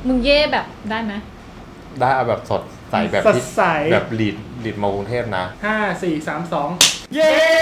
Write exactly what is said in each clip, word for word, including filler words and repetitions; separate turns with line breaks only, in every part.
มึงเย่แบบได้ไหม
ได้เอาแบบสดใสแบบที่แบบลีดลีดมากรุงเทพนะ
ห้าสี่สามสองเย้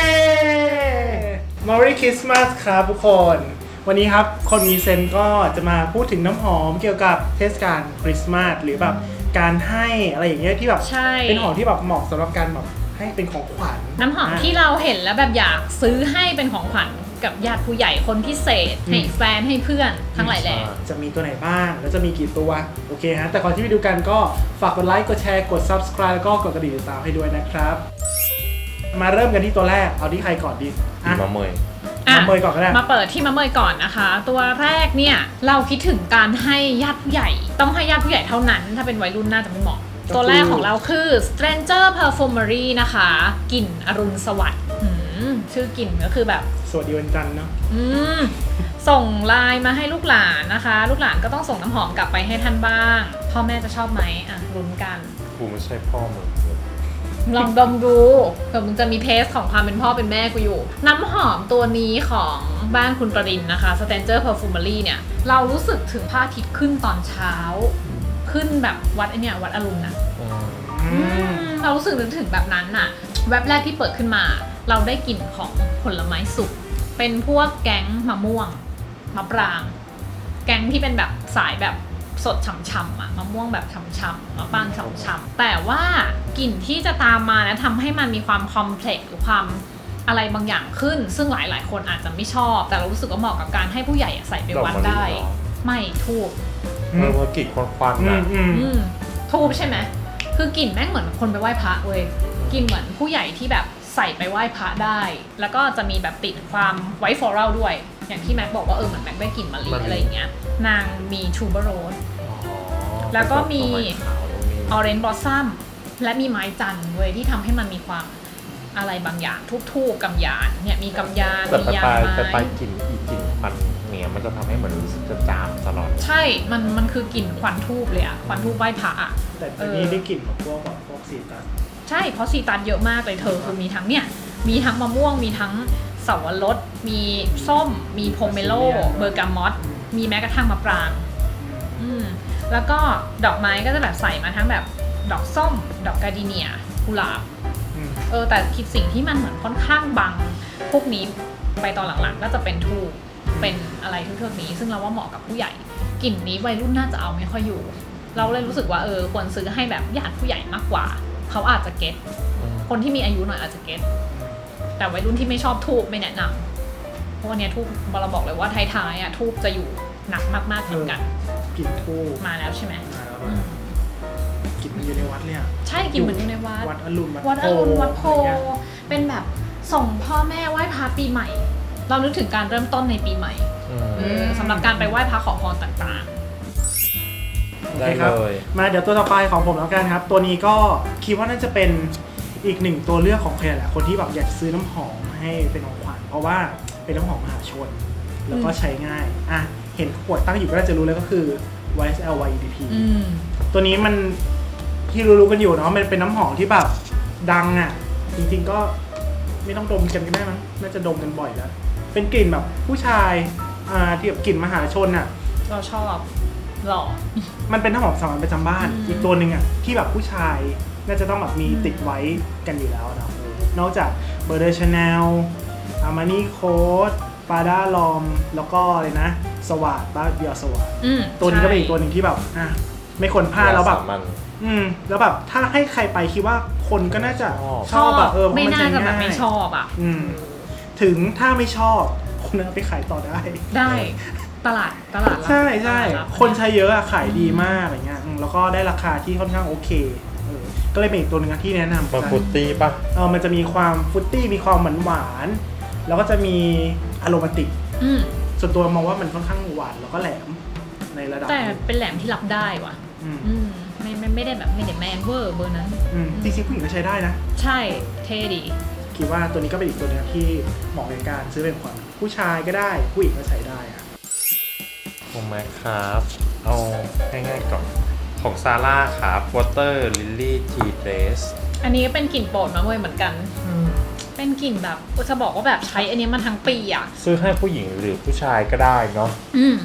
Merry Christmas ครับทุกคนวันนี้ครับคนมีเซนก็จะมาพูดถึงน้ำหอมเกี่ยวกับเทศกาลคริสต์มาสหรือแบบการให้อะไรอย่างเงี้ยที่แบบเป็นหอมที่แบบเหมาะสำหรับการแบบให้เป็นของขวัญ
น้ำหอมที่เราเห็นแล้วแบบอยากซื้อให้เป็นของขวัญกับญาติผู้ใหญ่คนพิเศษให้แฟนให้เพื่อนทั้งหลายแหล่
จะมีตัวไหนบ้างแล้วจะมีกี่ตัวโอเคฮะแต่ก่อนที่ไปดูกันก็ฝากกดไลค์กดแชร์กด Subscribe แล้วก็กดกระดิ่งติดตามให้ด้วยนะครับมาเริ่มกันที่ตัวแรกเอาที่ใครก่อนดี
มะเมย
มะเมยก่อนก็ได้
มาเปิดที่มะเมยก่อนนะคะตัวแรกเนี่ยเราคิดถึงการให้ญาติผู้ใหญ่ต้องให้ญาติผู้ใหญ่เท่านั้นถ้าเป็นวัยรุ่นน่าจะไม่เหมาะตัวแรกของเราคือ Stranger Perfumery นะคะกลิ่นอรุณสวัสดิ์ชื่อกลิ่นก็คือแบบ
สวัสดีวันจันทร์เนาะ
อืมส่งไลน์มาให้ลูกหลานนะคะลูกหลานก็ต้องส่งน้ำหอมกลับไปให้ท่านบ้างพ่อแม่จะชอบไหมอ่ะลุ้นกัน
กูไม่ใช่พ่อมึง
ลองดมดูเผื่อมึงจะมีเทสของความเป็นพ่อเป็นแม่กูอยู่น้ำหอมตัวนี้ของบ้านคุณปรินนะคะ Stranger Perfumery เนี่ยเรารู้สึกถึงพระอาทิตย์ขึ้นตอนเช้าขึ้นแบบวัดไอเนี่ยวัดอรุณนะเรารู้สึกนึกถึงแบบนั้นน่ะแวบแรกที่เปิดขึ้นมาเราได้กลิ่นของผลไม้สุกเป็นพวกแก๊งมะม่วงมะปรางแก๊งที่เป็นแบบสายแบบสดฉ่ำๆอะมะม่วงแบบฉ่ำๆมะปรางฉ่ำๆแต่ว่ากลิ่นที่จะตามมานะทำให้มันมีความคอมเพล็กซ์หรือความอะไรบางอย่างขึ้นซึ่งหลายๆคนอาจจะไม่ชอบแต่เรารู้สึกว่าเหมาะกับการให้ผู้ใหญ่ใส่ไปวัดได้ไม่ทูบ
เออกลิ่นควันๆนะ
ทูบใช่ไหมคือกลิ่นแม่งเหมือนคนไปไหว้พระเว้ยกลิ่นเหมือนผู้ใหญ่ที่แบบใส่ไปไหว้พระได้แล้วก็จะมีแบบติดความไวท์ฟลอรัลด้วยอย่างที่แม็กบอกว่าเออเหมือนแม็กได้กลิ่นมะลิอะไรอย่างเงี้ยนางมีทูเบอร์โรสแล้วก็มีออเรนจ์บลอสซัมและมีไม้จันทร์เว้ยที่ทำให้มันมีความอะไรบางอย่างทูบๆกำยานเนี่ยมีกำยานมียางไม้
แต่ไปกลิ่นอีกกลิ่นควันเนี่ยมันจะทำให้เหมือนรู้สึกจะจามตลอด
ใช่มันมันคือกลิ่นควันทูบเลยอะควันทูบไหว้พระอะ
แต่ทีนี้ได้กลิ่นของพวกแบบพวกซีตัส
ใช่เพราะซีตันเยอะมากเลยเธอคือมีทั้งเนี่ยมีทั้งมะม่วงมีทั้งเสาวรสมีส้มมีโพเมโลเบอร์กามอตมีแม้กระทั่งมะปรางอืมแล้วก็ดอกไม้ก็จะแบบใส่มาทั้งแบบดอกส้มดอกกาดิเนียกุหลาบเออแต่คิดสิ่งที่มันเหมือนค่อนข้างบังพวกนี้ไปตอนหลังๆก็จะเป็นทูบเป็นอะไรทุกๆนี้ซึ่งเราว่าเหมาะกับผู้ใหญ่กลิ่นนี้วัยรุ่นน่าจะเอาไม่ค่อยอยู่เราเลยรู้สึกว่าเออควรซื้อให้แบบญาติผู้ใหญ่มากกว่าเขาอาจจะเก็ตคนที่มีอายุหน่อยอาจจะเก็ตแต่วัยรุ่นที่ไม่ชอบทูบไม่แนะนำเพราะวันนี้ทูบเราบอกเลยว่าท้ายๆอ่ะทูบจะอยู่หนักมากๆเหมือนกัน
กลิ่นทูบ
มาแล้วใช่ไหม
กลิ่นมันอยู่ในวัดเลยอ่ะ
ใช่กลิ่นเหมือนอยู่ในวัด
วัดอรุณ
วัดอรุณวัดโพเป็นแบบส่งพ่อแม่ไหว้พระปีใหม่เรานึกถึงการเริ่มต้นในปีใหม่สำหรับการไปไหว้พระขอพรต่าง
ๆได้เลยมาเดี๋ยวตัวต่อไปของผมแล้วกันครับตัวนี้ก็คิดว่าน่าจะเป็นอีกหนึ่งตัวเลือกของใครแหละคนที่แบบอยากซื้อน้ำหอมให้เป็นของขวัญเพราะว่าเป็นน้ำหอมมหาชนแล้วก็ใช้ง่ายอ่ะเห็นขวดตั้งอยู่ก็น่าจะรู้แล้วก็คือ วาย เอส แอล วาย อี ดี พี ตัวนี้มันที่รู้ๆกันอยู่เนาะมันเป็นน้ำหอมที่แบบดังอ่ะจริงๆก็ไม่ต้องดมกันก็ได้มั้งน่าจะดมกันบ่อยแล้วเป็นกลิ่นแบบผู้ชายอ่าที่แบบกลิ่นมหาชนอ่ะ
เราชอบหล่อ
มันเป็นน้ำหอมสามัญประจำบ้านอีกตัวหนึ่งอ่ะที่แบบผู้ชายน่าจะต้องแบบมีติดไว้กันอยู่แล้วนะนอกจากเบอร์เดอร์ชาแนลอาร์มานี่โค้ดปาด้าลอมแล้วก็เลยนะสวัสดบ้าเบียร์สวัสดตัวนี้ก็เป็นอีกตัวหนึ่งที่แบบอ่ะไม่ควรพลาดแล้วแบบอืมแล้วแบบถ้าให้ใครไปคิดว่าคนก็น่าจะชอบแบบเออ
ไม่น่าจะแบบไม่ชอบอ่ะ
อืมถึงถ้าไม่ชอบคุณเอาไปขายต่อได้
ได้ตลาดตลาด
ใช่ใช่คนใช้เยอะอะขายดีมากอะไรเงี้ยแล้วก็ได้ราคาที่ค่อนข้างโอเคก็เลยเป็นอีกตัวหนึ่งที่แนะนำ
มันฟรุตตี้ป่ะ
เออมันจะมีความฟรุตตี้มีความหวานหวานแล้วก็จะมีอโรมาติกส่วนตัวมองว่ามันค่อนข้างหวานแล้วก็แหลมในระดับ
แต่เป็นแหลมที่รับได้ว่ะไม่ไม่ไม่ได้แบบไม่ได้แมนเวอร์เบอร์นั้น
จริงๆผู้หญิงก็ใช้ได้นะ
ใช่เท่ดี
คิดว่าตัวนี้ก็เป็นอีกตัวนึงที่เหมาะในการซื้อเป็นขวัญผู้ชายก็ได้ผู้หญิงก็ใช้ได้อะ
ผมแม็กครับเอาง่ายๆก่อนของซาร่าครับ Water Lily Tea Base
อันนี้เป็นกลิ่นโปรดมาเว้ยเหมือนกันเป็นกลิ่นแบบจะบอกว่าแบบใช้อันนี้มาทั้งปีอ่ะ
ซื้อให้ผู้หญิงหรือผู้ชายก็ได้เนาะ
อืม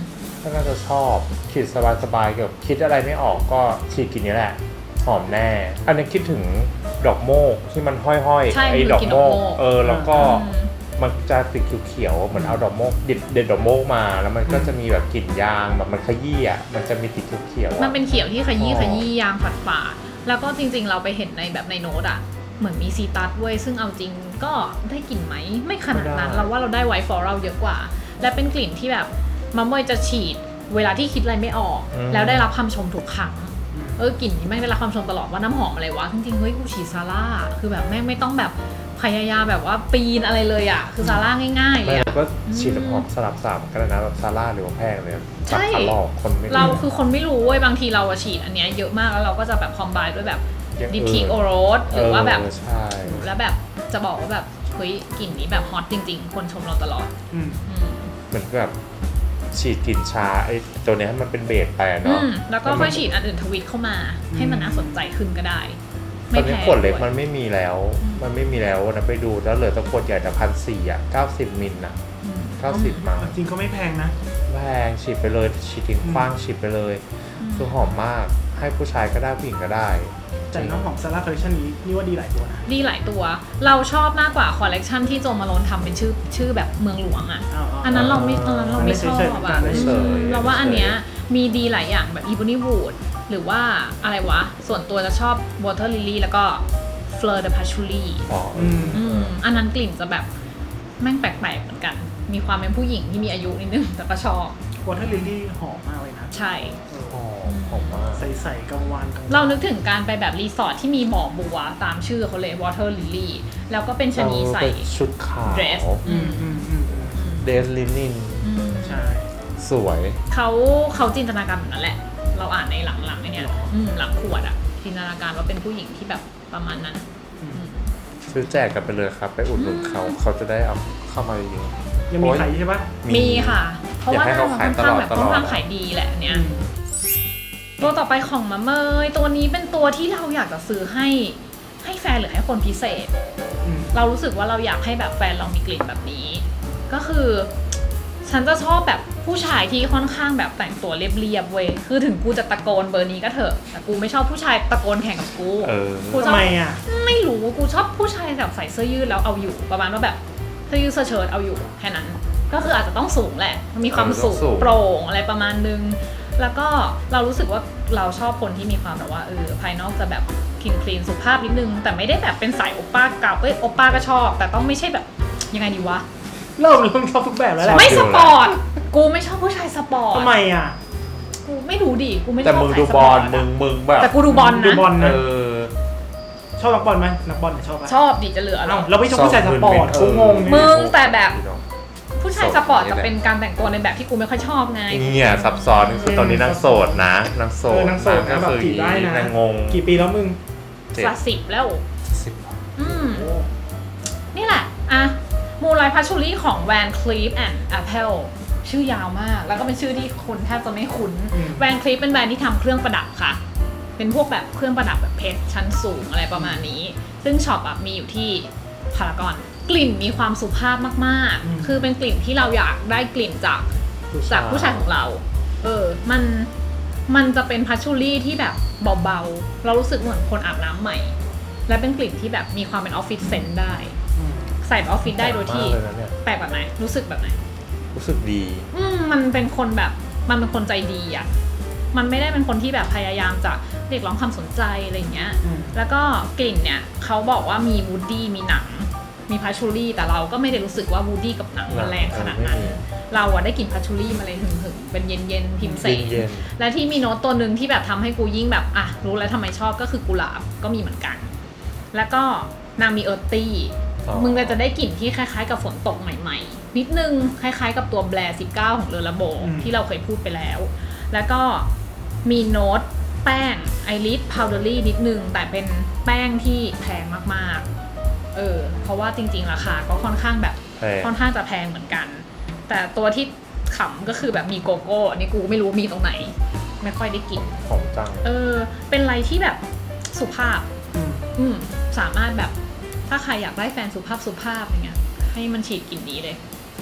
ก็น่าจะชอบฉีดสบายๆเกี่ยวกับคิดอะไรไม่ออกก็ฉีดกลิ่นนี้แหละหอมแน่อันนี้คิดถึงดอกโมกที่มันห้อยๆ
ใช่
ไอ้ดอกโมกเออแล้วก็
อืม
มันจะสีเขียวๆเหมือนเอาดอกโมกเด็ดเด็ดดอกโมกมาแล้วมันก็จะมีแบบกลิ่นยางแบบมันขยี้อ่ะมันจะมีติดเขียวๆ
มัน
อะ
เป็นเขียวที่ขยี้
อ๋อ
ขยี้ยางฝาดฝาดๆแล้วก็จริงๆเราไปเห็นในแบบในโน้ตอะเหมือนมีซีตัสด้วยซึ่งเอาจริงก็ได้กลิ่นไหมไม่ขนาดนั้นเราว่าเราได้ไวท์ฟลอรัลเยอะกว่า และเป็นกลิ่นที่แบบมะม่วยจะฉีดเวลาที่คิดอะไรไม่ออก แล้วได้รับคำชมทุกครั้งเออกลิ่นนี้แม่งได้รับคำชมตลอดว่าน้ำหอมอะไรวะจริงๆเฮ้ยกูฉีดซาร่าคือแบบแม่งไม่ต้องแบบพยายามแบบว่าปีนอะไรเลยอะคือซาร่าง่ายๆเล
ไม่
ย
เรา
อะ
ก็ฉีดน้ำหอมสลับสามกันนะแบบซาร่าหรือว่าแพงเลย
ใช่
สับขาหลอกคนไม่
เราคือคนไม่รู้เว้ยบางทีเราอะฉีดอันเนี้ยเยอะมากแล้วเราก็จะแบบคอมไบด้วยแบบดิปทีโอโรสหรือว่าแบบ
เใช่
แล้วแบบจะบอกว่าแบบเฮ้ยกลิ่นนี้แบบฮอตจริงๆ คนชมเราตลอด
อืม
อืม
เหมือนแบบฉีดกลิ่นชาไอ้ตัวเนี้ยให้มันเป็นเบสไปอะ
อื
เนาะ
มแล้วก็ค่อยฉีดอันอื่นทวิตเข้ามา ให้มันน่าสนใจขึ้นก็ได้
ต
ไม่
อน
แพ
นี้
ง
ขวดเล็ก
ด้วย
มันไม่มีแล้ว
อืม
มันไม่มีแล้วนะไปดูแล้วเหลือแตัวขวดใหญ่แต่พันสี่อ่ะเก้าสิบมิลน่ะ
อืม
เก้าสิบมา
จริงก็ไม่แพงนะ
แพงฉีดไปเลยฉีดทิ้งขว้างฉีดไปเลย
อืม
คือหอมมากให้ผู้ชายก็ได้ผู้หญิงก็ได้
แต่น้ำหอมซาร่าคอลเลคชันนี้นี่ว่าดีหลายตัวนะ
ดีหลายตัว เราชอบมากกว่าคอลเลกชันที่โจมาโลนทำเป็นชื่อชื่อแบบเมืองหลวงอ่ะ อันนั้นเราไม่อันนั้นเราไม่ชอบอ่ะ
ไม่เฉย
เราว่าอันเนี้ยมีดีหลายอย่างแบบ Ebony Wood หรือว่าอะไรวะ ส่วนตัวจะชอบ Water Lily แล้วก็ Fleur de Patchouli
อ๋อ
อืม
อืมอันนั้นกลิ่นจะแบบแม่งแปลกๆเหมือนกัน มีความเป็นผู้หญิงที่มีอายุนิดนึงแต่ก็ชอบ
วอเตอร์ลิลลี่หอมมากเลยนะ
ใช่
หอมหอมมาก
ใสๆกังวานกังวาน
เรานึกถึงการไปแบบรีสอร์ทที่มีบ่อบัวตามชื่อเขาเลย Water Lily แล้วก็เป็นชะนีใส่
เออเป็นชุดขาว
dress
อืมอืมอืมอืม
เดสลินิน
อืม
ใช่
สวย
เขาเขาจินตนาการแบบนั้นแหละ เราอ่านในหลังๆไอ้เนี่ยอืมหลังขวดอะจินตนาการว่าเป็นผู้หญิงที่แบบประมาณนั้น
อืม
ซื้อแจกกันไปเลยครับ ไปอุดหนุนเขาเขาจะได้เอาเข้ามาเยอะ
ยังมีขายอยู่ใช่ปะ
มีค่ะ เพราะว่า
อยากให้
หน้า
เขา
มัน
ขา
ค่
ย
อน
ต
ข้าง
ลอด
แบบ
ตลอด
ค่อนข้างขายดีแหละอัน
อื
เนี่ย
ม
ตัวต่อไปของมะเมยตัวนี้เป็นตัวที่เราอยากจะซื้อให้ให้แฟนหรือให้คนพิเศษ
อืม
เรารู้สึกว่าเราอยากให้แบบแฟนเรามีกลิ่นแบบนี้ ก็คือ ฉันจะชอบแบบผู้ชายที่ค่อนข้างแบบแต่งตัวเรียบๆเว้ยคือถึงกูจะตะโกนเบอร์นี้ก็เถอะแต่กูไม่ชอบผู้ชายตะโกนแข่งกับกู
เออ
กูช
ทำ
อบ
ไมอ่ะ
ไม่รู้กูชอบผู้ชายแบบใส่เสื้อยืดแล้วเอาอยู่ประมาณว่าแบบเสื้อยืดเสื้อเชิ้ตเอาอยู่แค่นั้น ก็คืออาจจะต้องสูงแหละมีความสูง
เออต้องสูง
โปร่งอะไรประมาณนึง แล้วก็เรารู้สึกว่าเราชอบคนที่มีความแบบว่าเออภายนอกจะแบบคลีนคลีนสุภาพนิดนึง แต่ไม่ได้แบบเป็นสายโอป้าเก่าเอ้ยโอป้าก็ชอบ แต่ต้องไม่ใช่แบบยังไงดีวะ
เริ่มเริ่มชอบทุกแบบแล้วแหละ
ไม่สปอร์ตกูไม่ชอบผู้ชายสปอร์ต
ทำไมอ่ะ
กูไม่รู้ดิกูไม่ชอบ
แต่มึง
สาย
ดู
ส
บ
ป
อ
ร์
ล
ต
มึ
อะ
งมึงแบบ
แต่กูดูบอล
ดู
นะ
บอล
เอ
นะ
อ
ชอบนักบอลไหมนักบอลเนี่ยชอบปะ
ชอบดิจะเหลือหร
เอ้า
อ
เราไม่ชอบผู้ชายสปอร์ตกูงง
มึ
เนี่ย
งแต่แบบ ผู้ชายสปอร์ตจะเป็นการแต่งตัวในแบบที่กูไม่ค่อยชอบไง
เนี่ยซับซ้อนคือตอนนี้นางโสดนะนางโส
เอ
ด
อนางโสดนะแบบจีบได้นะ
นางงง
กี่ปีแล้วมึง
เจ็ด
สักสิบแล้ว
สิบ
อืม นี่แหละ อ่ะ มูลไลพัชชูรี่ของ Van Cleef and Arpels ชื่อยาวมาก แล้วก็เป็นชื่อที่คนแทบจะไม่คุ้น
อืม
Van Cleef เป็นแบรนด์ที่ทำเครื่องประดับค่ะ เป็นพวกแบบเครื่องประดับแบบเพชรชั้นสูงอะไรประมาณนี้ ซึ่งช็อปอะมีอยู่ที่พารากอน กลิ่นมีความสุภาพมาก
อืม
ๆ คือเป็นกลิ่นที่เราอยากได้กลิ่นจาก จากผู้ชายของเรา เออ มัน มันจะเป็นพัชชูรี่ที่แบบเบาๆ เรารู้สึกเหมือนคนอาบน้ำใหม่ และเป็นกลิ่นที่แบบมีความเป็นออฟฟิศเซนต์ได้
อืม
ใส่ออฟฟิศได้โดยที่
แปลกมากเลยนะเนี่ย
แปลกแบบไหน รู้สึกแบบไหน
รู้สึกดี
อืม มันเป็นคนแบบ มันเป็นคนใจดีอ่ะ มันไม่ได้เป็นคนที่แบบพยายามจะเรียกร้องความสนใจอะไรอย่างเงี้ย
อืม
แล้วก็กลิ่นเนี่ยเขาบอกว่ามีวูดดี้มีหนัง มีพัชชูรี่ แต่เราก็ไม่ได้รู้สึกว่าวูดดี้กับหนังมันแรงขนาดนั้น
เออไม่มี
เราอะได้กลิ่นพัชชูรี่มาเลยหึงๆ เป็นเย็นๆ พิมเสน
เย็น
และที่มีโน้ตตัวหนึ่งที่แบบทำให้กูยิ่งแบบอ่ะรู้แล้วทำไมชอบก็คือกุหลาบก็มีเหมือนกัน แล้วก็นางมีเอิร์ธตี้
อ๋อ
มึงก็จะได้กลิ่นที่คล้ายๆกับฝนตกใหม่ๆ นิดนึงคล้ายๆกับตัวแบร์สิบเก้าของเลอระโบ
อืม
ที่เราเคยพูดไปแล้ว แล้วก็มีโน้ตแป้งไอริสพาวเดอรี่นิดนึงแต่เป็นแป้งที่แพงมากๆเออเพราะว่าจริงๆราคาก็ค่อนข้างแบบ
แพง
ค่อนข้างจะแพงเหมือนกัน แต่ตัวที่ขำก็คือแบบมีโกโก้อันนี้กูไม่รู้มีตรงไหน ไม่ค่อยได้กิน
ของจัง
เออ เป็นอะไรที่แบบสุภาพ
อืม
อืม สามารถแบบ ถ้าใครอยากได้แฟนสุภาพสุภาพอย่างเงี้ย ให้มันฉีดกลิ่นนี้เลย อ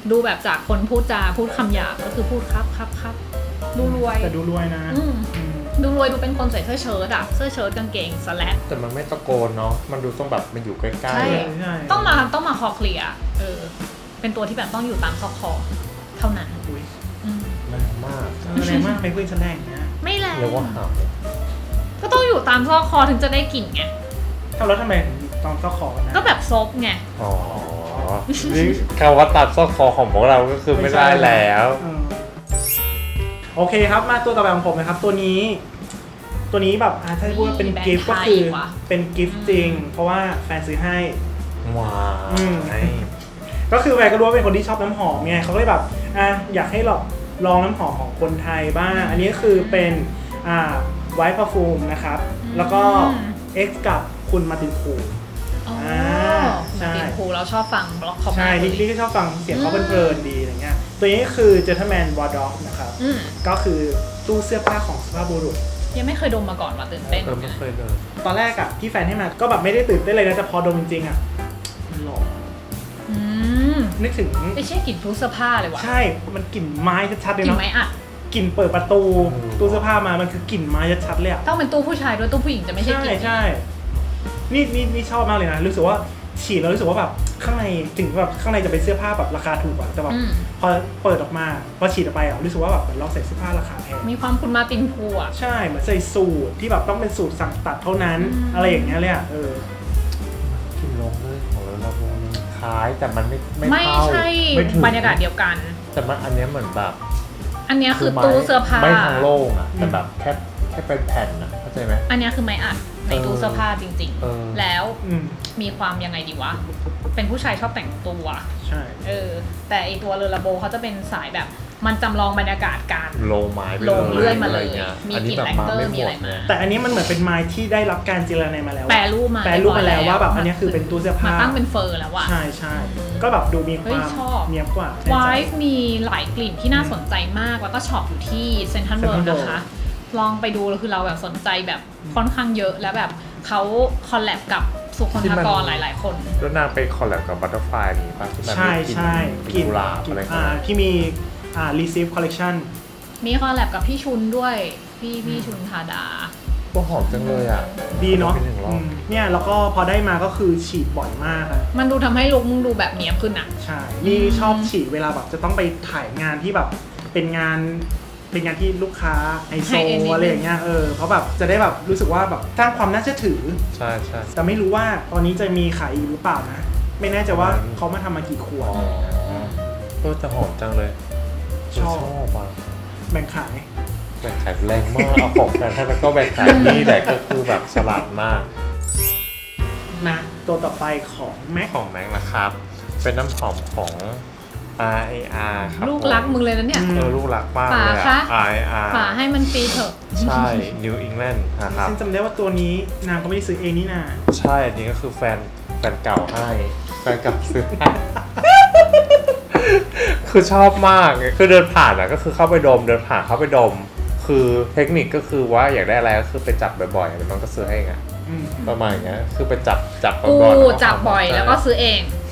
ดูแบบจากคนพูดจาพูดคำหยาบก็คือพูดครับครับครับดูรวย
แต่ดูรวยนะ
อืม
อืม
ดูรวยดูเป็นคนใส่เสื้อเชิ้ตอะเสื้อเชิ้ตกางเกงสแลก
แต่มันไม่ตะโกนเนาะมันดูต้องแบบมันอยู่ใกล้
ใช่
ใช่ใช่
ต้องมาต้องมาคอเคลียร์เออเป็นตัวที่แบบต้องอยู่ตามซอกคอเท่านั้น
อุ้ย
อืม
ๆแรงมาก
เออแรงมากไปคุยแสดงเนี่ย
ไม่แรง
เรียกว่าห
ก็ต้องอยู่ตามซอกคอถึงจะได้กลิ่นไง
ทำแล้วทำไมถึงตอนเจ้าของนะ
ก็แบบซบไง
ำอ๋อนี่คำว่าตัดซอกคอของพวกเราก็คือไม่ได้แล้ว
เออโอเคครับมาตัวต่อไปของผมนะครับตัวนี้ ตัวนี้แบบอ่ะถ้าจะพูดว่าเป็น
แบรนด์
กิฟต์
ไท
ก็
ย
คือ
ว่ะ
เป็นกิฟต์จริง เพราะว่าแฟนซื้อให้
ว้า
อืม
ว
ก็คือแฟนก็รู้ว่าเป็นคนที่ชอบน้ำหอมไงเขาก็เลยแบบอ่ะอยากให้ลองลองน้ำหอมของคนไทยบ้าง อันนี้ก็คือเป็นอ่าไวท์พาฟูมนะครับ แล้วก็ X กับคุณมาร์ตินคู
อ๋อ
ใช่
มาตินพูเราชอบฟังบล็อกเขา
ใช่
มากเล
นี่
ย
นี่ก็ชอบฟังเสียงเขาเพลินๆดีอะไรเงี้ยตัวนี้คือ Gentleman Wardrobe นะครับ
อืม
ก็คือตู้เสื้อผ้าของสุภาพบุรุษ
ยังไม่เคยดมมาก่อนว่าตื่นเต้น
เออไม่เคยเลย
ตอนแรกอะที่แฟนให้มาก็แบบไม่ได้ตื่นเต้นเลยนะแต่พอดมจริงๆอะมันหล่อ
อืม
นึกถึง
ไม่ใช่กลิ่นทุกเสื้อผ้าเลยว่ะ
ใช่มันกลิ่นไม้ชัดๆเลย
กลิ่น
เนาะ
ไม้อัด
กลิ่นเปิดประตูตู้เสื้อผ้ามามันคือกลิ่นไม้ชัดๆเลยอะ
ต้องเป็นตู้ผู้ชายด้วยตู้ผู้หญิงจะไม่ใช่
ใช่
กลิ่น
ใช่นี่นี่นี่ชอบมากเลยนะรู้สึกว่าฉีดแล้วรู้สึกว่าแบบข้างในถึงแบบข้างในจะเป็นเสื้อผ้าแบบราคาถูกอะแต่แบบ
อืม
พอเปิดออกมาพอฉีดออกไปอะรู้สึกว่าแบบเหมือนเราใส่เสื้อผ้าราคาแพง
มีความคุณมาตินพูอ่ะ
ใช่เหมือนใส่สูทที่แบบต้องเป็นสูทสั่งตัดเท่านั้น
อืม
อะไรอย่างเงี้ยเลยอะเออ
กินลงเลยของเราเราคล้ายแต่มันไม่ไม่
ไม่
เข้า
ใช่
ไม่ถึง
บรรยากาศเดียวกัน
แต่มันอันเนี้ยเหมือนแบบ
อันเนี้ยคือ
ไม้
ตู้เสื้อผ้า
ไม่ทางโล่งอะแต่แบบแค่แค่เป็นแผ่นอะเข้าใจไหม
อันเนี้ยคือไม้อัดใน
เออ
ตู้เสื้อผ้าจริง
เออ
ๆ แล้ว
อืม
มีความยังไงดีวะ เป็นผู้ชายชอบแต่งตัว
ใช่
เออ แต่ไอตัวเรือระโบเขาจะเป็นสายแบบมันจำลองบรรยากาศการ
โลไม้ไป
โลเลื่อยมาเลย
ะไรงี้
มี
อัน
กลิ่
นี้
น
แบบ
แลค
มา
เตอร์
ไม่
มี
หม
อะไร
ด
มา
นะ
แต่อันนี้มันเหมือนเป็นไม้ที่ได้รับการเจรไนมาแล้ว
แปรรูปมา
แปรรูปมาแล้วว่าแบบอันนี้คือเป็นตู้เสื้อผ้า
มาตั้งเป็นเฟอร์แล้วอะ
ใช่ใช่ก็แบบดูมีค
เฮ้ยว
าม
ชอบ
เนียบกว่า
ไวฟ์มีหลายกลิ่นที่น่าสนใจมาก แล้วก็ช็อปอยู่ที่เซ็นทรัลเวิลด์
Central
นะคะ ลองไปดูแล้วคือเราแบบสนใจแบบค่อนข้างเยอะแล้วแบบเขาคอลแลบกับสุคนทกรหลาย ๆ คน
แล้วนางไปคอลแลบกับบัตเตอร์ฟลายนี่ป่ะที่มัน
ใช่
มีกลิ่น
ใช่
กลิ่นกุหลาบอะไร
อ่า
กัน
ที่มีอ่า receive collection
มีคอลแลบกับพี่ชุนด้วย พี่พี่ชุนธาดา
ก็หอมจังเลยอ่ะ
ดีเนาะ
ไปหนึ่งรอบ
อืมเนี่ยแล้วก็พอได้มาก็คือฉีดบ่อยมากอะ
มันดูทำให้ลุคมึงดูแบบเนี้ยบขึ้นอะ
ใช่ นี่ชอบฉีดเวลาแบบจะต้องไปถ่ายงานที่แบบเป็นงานเป็นงานที่ลูกค้าไฮโซอะไรอย่างเงี้ยเออเพราะแบบจะได้แบบรู้สึกว่าแบบสร้างความน่าเชื่อถือ
ใช่ใช่
แต่ไม่รู้ว่าตอนนี้จะมีขายอีกหรือเปล่านะ ไม่แน่ใจว่า
อืม
เขามาทำมากี่ขว
อ๋
ด
อเออแต่หอมจังเลย
ชอบ
ชอบอ่ะ
แบ่งขาย
แบ่งขายแรงมากเอาของแฟนให้แล้วก็แบ่งขายนี่แหละก็คือแบบฉลาดมาก
นะตัวต่อไปของแม็ก
ของแม็กนะครับ เป็นน้ำหอมของ อาร์ เอ อาร์ ครับ
ลูกรักมึงเลยนะเนี่ย
เออลูกรักมากเลย
ป๋า
อะ
คะ
อาร์ เอ อาร์
ฝาให้มันฟรีเถอะ
ใช่ นิวอิงแลนด์นะครับ
ซึ่งจำได้ว่าตัวนี้นางก็ไม่ได้ซื้อเองนี่นา
ใช่อันนี้ก็คือแฟนแฟนเก่าให้แฟนเก่าซื้อให้ คือชอบมากคือเดินผ่านอ่ะก็คือเข้าไปดมเดินผ่านเข้าไปดม คือเทคนิคก็คือว่าอยากได้อะไรก็คือไปจับบ่อยๆแล้วมันก็ซื้อให้ไง
อืม
ประมาณอย่างเงี้ยคือไปจับจับ
กู
ก่อนๆแล้วก็
จับบ่อยแล้วก็ซื้อเอง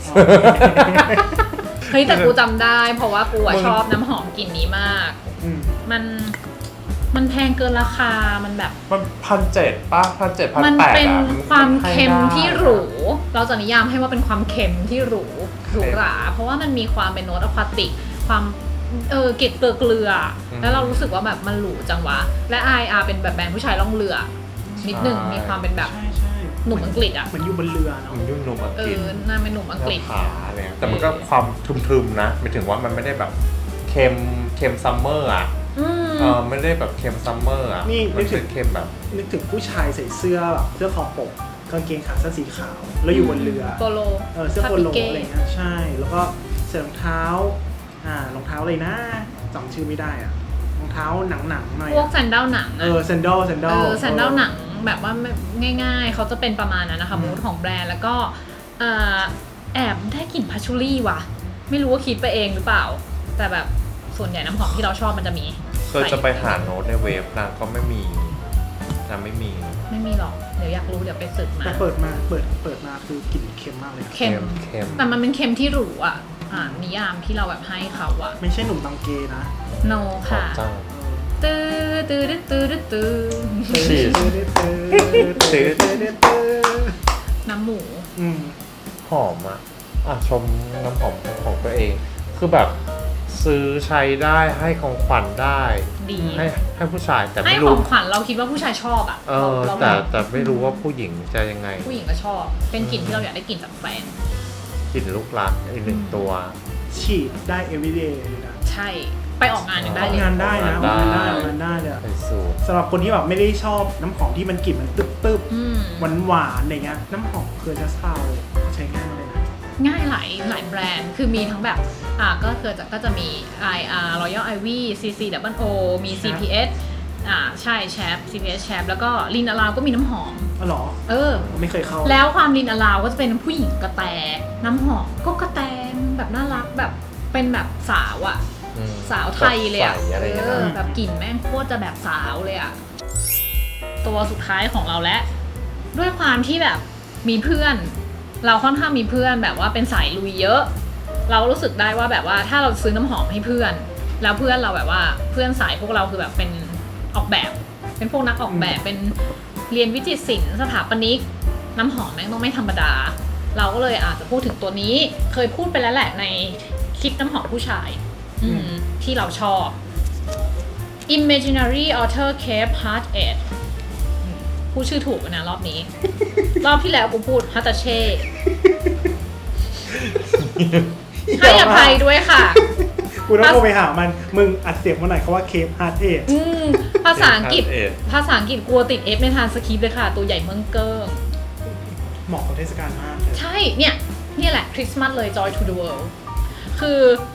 เฮ้ยแต่กูจำได้ เพราะว่ากูอะชอบน้ำหอมกลิ่นนี้มาก
อืม
มันมันแพงเกินราคา มันแบบ
มันพันเจ็ดป้าพันเจ็ดพัน
มัน
แปด
เป็น
อ่ะ
ความเค็มที่หรู
ให้ได้
เราจะนิยามให้ว่าเป็นความเค็มที่หรูหรูหรา เพราะว่ามันมีความเป็นโน้ตอะควาติก ความเออเกล็ดเกลือเกลือ แล้วเรารู้สึกว่าแบบมันหรูจังวะ และ ไอ อาร์ เป็นแบบแบรนด์ผู้ชายล่องเรือ นิดหนึ่งมีความเป็นแบบ
ใช่ใช่
หนุ่มอังกฤษอะ
เหมือนอยู่บนเรือเนาะ
มันยุ่งนมอัง
เอก
ฤษ
อน่าเป็นหนุ่มอังกฤษ
ขาอะไรเงี้ยแต่มันก็ความทึมๆนะหมายถึงว่ามันไม่ได้แบบเค็มเค็มซัมเมอร์อ่ะ
อืม
เออไม่ได้แบบเค็มซัมเมอร์อ่ะ
นี่
มันเป็นเค็มแบบ
นึกถึงผู้ชายใส่เสื้อแบบเสื้อคอปกกางเกงขาสั้นสีขาว แล้วอยู่บนเรือ
โปโล
เออเสื้อโปโล
คาปิเก้
อะไรเงี้ยใช่ แล้วก็ใส่รองเท้าอ่ารองเท้าอะไรนะจำชื่อไม่ได้อะรองเท้าหนังๆหน่อย
พวก
อะ
แซนเดลหนัง
เอ
อะ
อแซนดลแซนด
เอ
ล
อแซนเดลหนังแบบว่าไม่ง่ายๆ เขาจะเป็นประมาณนั้นนะคะมูดของแบรนด์แล้วก็เอ่อแอบได้กลิ่นพัชชูรี่ว่ะ ไม่รู้ว่าคิดไปเองหรือเปล่า แต่แบบส่วนใหญ่น้ำหอมที่เราชอบมันจะมี
เคยจะไปหาโน้ตในเว็บนางก็ไม่มีนางไม่มี
ไม่มีหรอก เดี๋ยวอยากรู้เดี๋ยวไปสืบมา
แต่เปิดมาเปิดเปิดมาคือกลิ่นเค็มมากเลยอะ
เค็ม
เค็ม
แต่มันเป็นเค็มที่หรูอ่ะอ่านิยามที่เราแบบให้เขาอะ
ไม่ใช่หนุ่มตังเกนะ
no
หอ
ค่ะ
มจัง
ตื้อตื้อตื้อตื้อตื้อ
ชีส
น้ำหมู
อืม
หอมอ่ะอ่ะชมน้ำหอมของตัวเอง คือแบบซื้อใช้ได้ให้ของขวัญได้
ดี
ให้ให้ผู้ชายแต่
ให้
ไม่
ข
รู้
องขวัญเราคิดว่าผู้ชายชอบอะ
เออ
เรา
แต่
เรา
แต่ไม่รู้ว่าผู้หญิงจะยังไง
ผู้หญิงก็ชอบ เป็นกลิ่นที่เราอยากได้กลิ่นจากแฟน
กลิ่นลูกรักอีกหนึ่งตัว
ฉีดได้ everyday เลยนะ
ใช่ ไปออกงานยังได้
ออก
เลย
งานได้นะออกงานได้
ได้
ออกงานได้เลยอะ
ไอสูตร
สำหรับคนที่แบบไม่ได้ชอบน้ำหอมที่มันกลิ่นมันตึ๊บตึ๊บ
อืม
หวานหวานๆอะไรเงี้ยน้ำหอมเคอร์จัสพาวใช้ง่ายเลยนะ
ง่ายหลายหลายแบรนด์ คือมีทั้งแบบ อ่า ก็คือจะก็จะมี I R Royal Ivy ซี ซี Double O มี ซี พี เอส อ่า ใช่ แชป ซี พี เอส แชป แล้วก็ลินอลาวก็มีน้ำหอม
อ๋อเหรอ
เออ
ไม่เคยเข้า
แล้วความลินอลาวก็จะเป็นผู้หญิงกระแต น้ำหอมก็กระแตแบบน่ารักแบบเป็นแบบสาวอะ
อืม
สาวไทยเลยอะ
ใส่อะไรอย่างเงี้ย
เออ
นะ
แบบกลิ่นแม่งโคตรจะแบบสาวเลยอะตัวสุดท้ายของเราและด้วยความที่แบบมีเพื่อน เราค่อนข้างมีเพื่อนแบบว่าเป็นสายลุยเยอะ เรารู้สึกได้ว่าแบบว่าถ้าเราซื้อน้ำหอมให้เพื่อน แล้วเพื่อนเราแบบว่าเพื่อนสายพวกเราคือแบบเป็นออกแบบ เป็นพวกนักออกแบบเป็นเรียนวิจิตรศิลป์สถาปนิกน้ำหอมแม่งต้องไม่ธรรมดา เราก็เลยอาจจะพูดถึงตัวนี้เคยพูดไปแล้วแหละในคลิปน้ำหอมผู้ชายอืมที่เราชอบ Imaginary Author Cape Heart Ed อืมพูดชื่อถูกนะรอบนี้ รอบที่แล้วกูพูดฮัตเช่ ให้อภัยด้วยค่ะ
กูต้องโทรไปหามัน มึงอัดเสียงมาหน่อยเขาว่าเคปฮาร์ดเอท
อืมภาษาอังกฤษ
Heart Ed
ภาษาอังกฤษกลัวติด F ในทางสคริปต์เลยค่ะ ตัวใหญ่เมืองเกิ้ง
เหมาะกับเทศกาลมากเลย
ใช่ เนี่ย เนี่ยแหละคริสต์มาสเลย Joy to the World คือ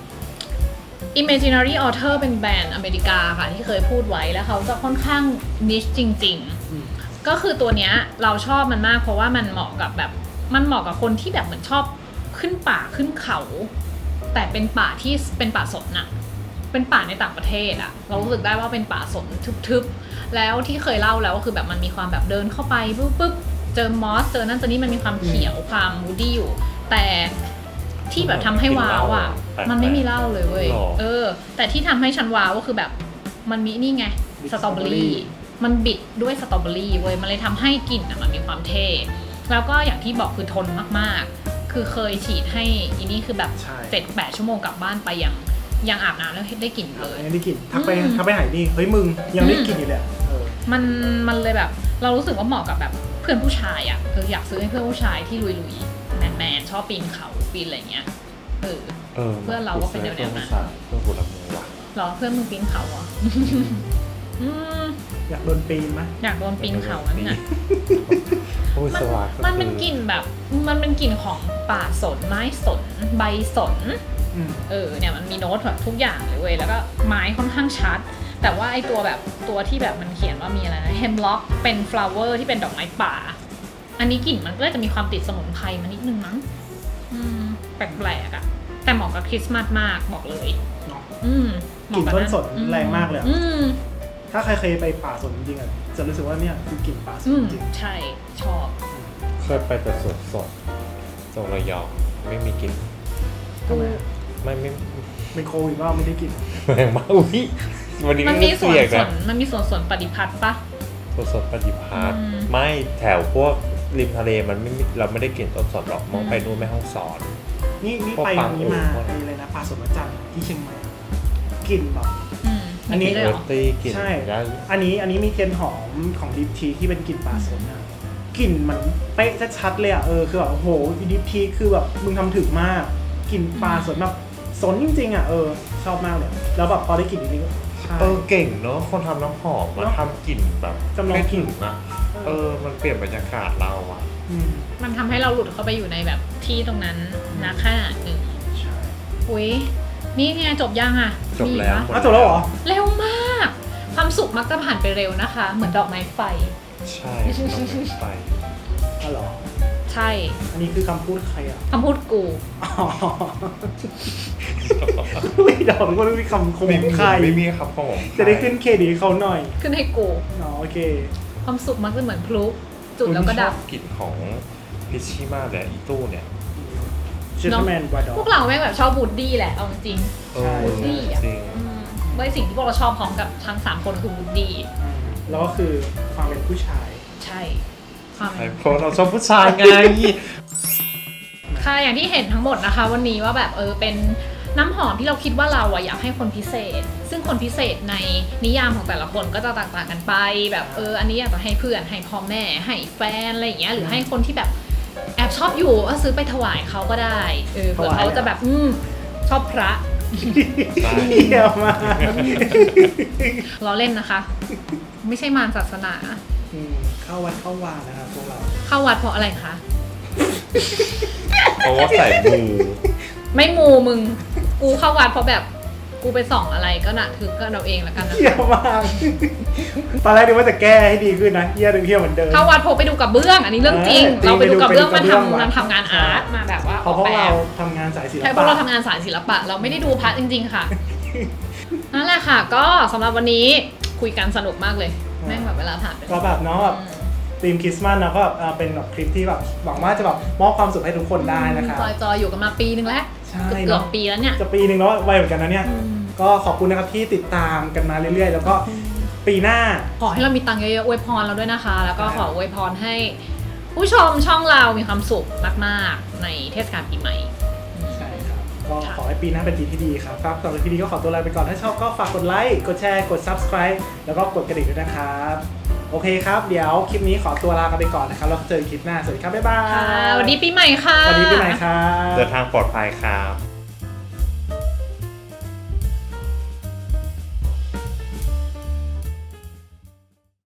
Imaginary Author เป็นแบรนด์อเมริกาค่ะ ที่เคยพูดไว้แล้วเขาจะค่อนข้างนิชจริง
อืม
ๆ ก็คือตัวเนี้ยเราชอบมันมากเพราะว่ามันเหมาะกับแบบ มันเหมาะกับคนที่แบบเหมือนชอบขึ้นป่าขึ้นเขา แต่เป็นป่าที่เป็นป่าสนน่ะ เป็นป่าในต่างประเทศอะเรารู้สึกได้ว่าเป็นป่าสนทึบๆ แล้วที่เคยเล่าแล้วก็คือแบบมันมีความแบบเดินเข้าไปปุ๊บปุ๊บเจอมอสเจอนั่นเจอนี่มันมีความเขียวความมูดี้อยู่ แต่ที่แบบทำให้ว้าวอะมันไม่มีเหล้าเลยเว้ยเออ แต่ที่ทำให้ฉันว้าวก็คือแบบมันมีนี่ไงสตรอเบอรี่มันบิดด้วยสตรอเบอรี่เว้ยมันเลยทำให้กลิ่นอะมันมีความเท่แล้วก็อย่างที่บอกคือทนมากๆ คือเคยฉีดให้อีนี่คือแบบเจ็ดแปดชั่วโมงกลับบ้านไปยังยังอาบน้ำแล้วได้กลิ่นเลย
ยังได้กลิ่นทักไป
อืม
ทักไปหายนี่เฮ้ยมึงยังได้กลิ่นอยู่เลยอะเออ
มันมันเลยแบบเรารู้สึกว่าเหมาะกับแบบเพื่อนผู้ชายอ่ะเอออยากซื้อให้เพื่อนผู้ชายที่ลุยๆแมนแมนๆชอบปีนเขาปีนอะไรเงี้ยเออ
เออ
เพื่อนเราก็เป็นแนวๆนั้น
เพื่อนกูละมือว่ะ
เหรอเพื่อนมึงปีนเขาเหรอ อืม
อยากโดนปีนไหม
อยากโดนปีนเขานั่นน่ะ
โอ้ย
มัน
สวัสดิ์
มันเป็นกลิ่นแบบมันเป็นกลิ่นของป่าสนไม้สนใบสน
อืม
เออเนี่ยมันมีโน้ตแบบทุกอย่างเลยเว้ยแล้วก็ไม้ค่อนข้างชัด แต่ว่าไอตัวแบบตัวที่แบบมันเขียนว่ามีอะไรนะ hemlock เป็น flower ที่เป็นดอกไม้ป่า อันนี้กลิ่นมันก็จะมีความติดสมุนไพรมานิดนึงมั้งอืมแปลกๆอะแต่เหมาะกับคริสต์มาสมากบอกเลย
เนาะ
อืม
กลิ่นต้นสน
อื
แรงมากเลยอะ
อืม
ถ้าใครเคยไปป่าสนจริงๆอ่ะจะรู้สึกว่าเนี่ยคือกลิ่นป่าส
อื
น
ม
จริง
ใช่ชอบ
เคยไปแต่สวนสดตรงระยองไม่มีกลิ่น
ทำไมอะ
ไม่ไม่
เป็นโควิดว่าไม่ได้กลิ่น
แรงมากอุ้ยวันนี้
มัน
ไม่
มีสวน
เสียง
ส
นะ
นมันมีสวนสวนปฏิพัฒน์ปะ
สวนสดปฏิภาณ
อืม
ไม่แถวพวกริมทะเลมันไม่มีเราไม่ได้กลิ่นสดสดหรอกมองไปนู่นแม่ห้องสอน
นี่นี่
พวก
ไป
ปลา
นี้มา
โอ่ง
ไปอะไรนะป่าสนวัดจันทร์ที่เชียงใหม่กลิ่นแบบ
อืม
อันนี้
มี
เอ
ด้วยเห
อ
รอ
ตี้กลิ่น
ใช่
ได้
อันนี้อันนี้มีเทียนหอมของดิฟทีที่เป็นกลิ่นป่าสนอะกลิ่นมันเป๊ะชัดๆเลยอะเออคือแบบโอ้โหดิฟทีคือแบบมึงทำถึงมากกลิ่นป่าสนแบบสนจริงๆอะเออชอบมากเลยแล้วแบบพอได้กลิ่นนี้ก็ใช่
เออเก่งเนาะคนทำน้ำหอมมา
เนอะ
ทำกลิ่นแบบ
จำลองกลิ่น
ให้ถึนะเออมันเปลี่ยนบรรยากาศเราอะ
อืม
มันทำให้เราหลุดเข้าไปอยู่ในแบบที่ตรงนั้นนะขนาดหนึ่ง
ใช่
อุ้ยนี่ไงจบยังอ่ะ
จบแล้ว
มีอีกปะ
อ้าวจบแล้วเหรอ
เร็วมาก ความสุขมักจะผ่านไปเร็วนะคะ เหมือนดอกไม้ไฟ
ใช่ต้องไป
อ๋อเหรอ
ใช่
อันนี้คือคำพูดใครอ่ะ
คำพูดกู
อ๋อไม่ดอกก็ต้องมีคำคม
ไม่
ข
มี
องใคร
ไม่มีครับผม
จะได้ขึ้นเครดิตให้เขาหน่อย
ขึ้นให้กู
อ๋อโอเค
ความสุขมักจะเหมือนพลุจุดแล้วก็ดับ
กลิ่นของพิชชี่มากเลยอีตู้เนี่ย
Gentleman Bulldog
พวกเราแม่งแบบชอบวูดดี้แหละเอาจริง
เออ
วูดดี้อ่ะ
จริง
อืมด้วยสิ่งที่พวกเราชอบพร้อมกับทั้งสามคนคือวูดดี้
แล้วก็คือความเป็นผู้ชาย
ใช่ความ
ไอ้
เป็น
เพราะเราชอบผู้ชายไง
ค่ะอย่างที่เห็นทั้งหมดนะคะ วันนี้ว่าแบบเออเป็นน้ำหอมที่เราคิดว่าเราอะอยากให้คนพิเศษ ซึ่งคนพิเศษในนิยามของแต่ละคนก็จะต่างๆกันไป แบบเอออันนี้อยากจะให้เพื่อนให้พ่อแม่ให้แฟนอะไรอย่างเงี้ยหรือให้คนที่แบบแอบชอบอยู่ก็ซื้อไปถวายเขาก็ได้เออเผื่อเขาจะแบบอืมชอบพระ
เยี่ยมมาก
ล้อเล่นนะคะ ไม่ใช่มารศาสนา
อืมเข้าวัดเข้าวานะครับพวกเรา
เข้าวัดเพราะอะไรคะ
เพราะว่าใส่มู
ไม่มูมึงกูเข้าวัดเพราะแบบกูไปส่องอะไรก็น่ะถือก็เราเองแล้วกันนะ
เยี่ยมมากตอนแรกนึกว่าจะแก้ให้ดีขึ้นนะเยี่ยมเยี่ยมเหมือนเดิม
เข้าวัดเพราะไปดูกับเบื้อง อันนี้เรื่องจริง
เออ
เราไปดูกับเบื้อง
ไป
มา
ดูกับเบื้อง
ทำ
ว่ะ
มาทำงานอาร์ตมาแบบว่า
เพราะพวกเราทำงานสายศิลปะ
ใช่พวกเราทำงานสายศิลปะ เราไม่ได้ดูพระจริง ๆ ค่ะ นั่นแหละค่ะ ก็สำหรับวันนี้คุยกันสนุกมากเลย แม่งแบบเวลาผ่านไป
ก็แบบเนาะแบบธีมคริสต์มาสเนาะก็แบบเอ่อเป็นแบบคลิปที่แบบหวังว่าจะแบบมอบความสุขให้ทุกคนได้นะครับ
จอยจอยๆอยู่กันมาปีนึงแล้ว
ใช่
เกื
เน
อ
อะ
บๆปีแล้วเนี่ย
จะปีหนึ่งแล้วไวเหมือนกันนะเนี่ย ก็ขอบคุณนะครับที่ติดตามกันมาเรื่อยๆ แล้วก็ปีหน้า
ขอให้เรามีตังค์เยอะๆอวยพรเราด้วยนะคะ แล้วก็ขออวยพรให้ ผู้ชมช่องเรามีความสุขมากๆในเทศกาลปีใหม่
ใช่ครับ ก็ขอให้ปีหน้าเป็นปีที่ดีครับครับสำหรับปีนี้ก็ขอตัวลาไปก่อน ถ้าชอบก็ฝากกดไลค์ กดแชร์ กด Subscribe แล้วก็กดกระดิ่งด้วยนะครับ โอเคครับ เดี๋ยวคลิปนี้ขอตัวลากันไปก่อนนะครับ แล้วเจอกันคลิปหน้า สวัสดีครับ บ๊ายบาย
ค่ะสวัสดีปีใหม่ค่ะ
สวัสดีปีใหม่ครับ
เดินทางปลอดภัยครับ